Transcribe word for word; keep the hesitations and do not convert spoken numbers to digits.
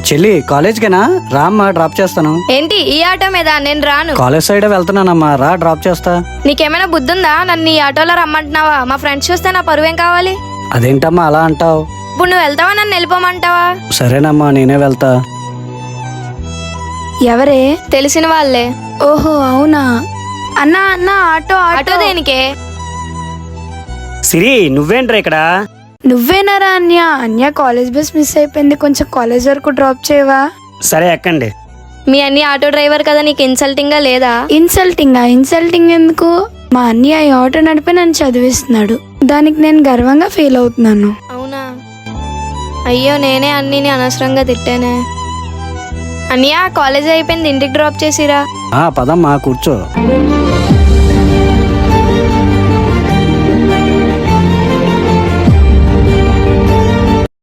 చెల్లి కాలేజ్కేనా రామ్మా డ్రాప్ చేస్తాను. ఏంటి ఈ ఆటో మీద? నేను రాను. కాలేజ్ సైడ్ వెళ్తున్నానమ్మా, రా డ్రాప్ చేస్తా. నీకేమైనా బుద్ధుందా? నన్ను ఈ ఆటోలో రమ్మంటున్నావా? మా ఫ్రెండ్స్ చూస్తే నా పరువేం కావాలి? అదేంటమ్మా అలా అంటావు? ఇప్పుడు నువ్వు వెళ్తావా, నన్ను వెళ్ళిపోమంటావా? సరేనమ్మా నేనే వెళ్తా. ఎవరే? తెలిసిన వాళ్ళే. ఓహో అవునా. అన్నా అన్న ఆటో ఆటో దేనికే? సిరి నువ్వేంట్రా ఇక్కడ? నువ్వేనారా అన్య? అన్య కాలేజ్ బస్ మిస్ అయిపోయింది, కొంచెం కాలేజ్ వరకు డ్రాప్ చేయవా? సరే ఎక్కండి. మీ అన్ని ఆటో డ్రైవర్ కదా, నీకు ఇన్సల్టింగ్ గా లేదా? ఇన్సల్టింగ్ ఇన్సల్టింగ్ ఎందుకు? మా అన్నయ్య ఈ ఆటో నడిపి నన్ను చదివిస్తున్నాడు, దానికి నేను గర్వంగా ఫీల్ అవుతున్నాను. అవునా? అయ్యో నేనే అన్నిని అనవసరంగా తిట్టానే. అన్నయ్య కాలేజ్ అయిపోయింది, ఇంటికి డ్రాప్ చేసిరా. ఆ పదమ్మా కూర్చో.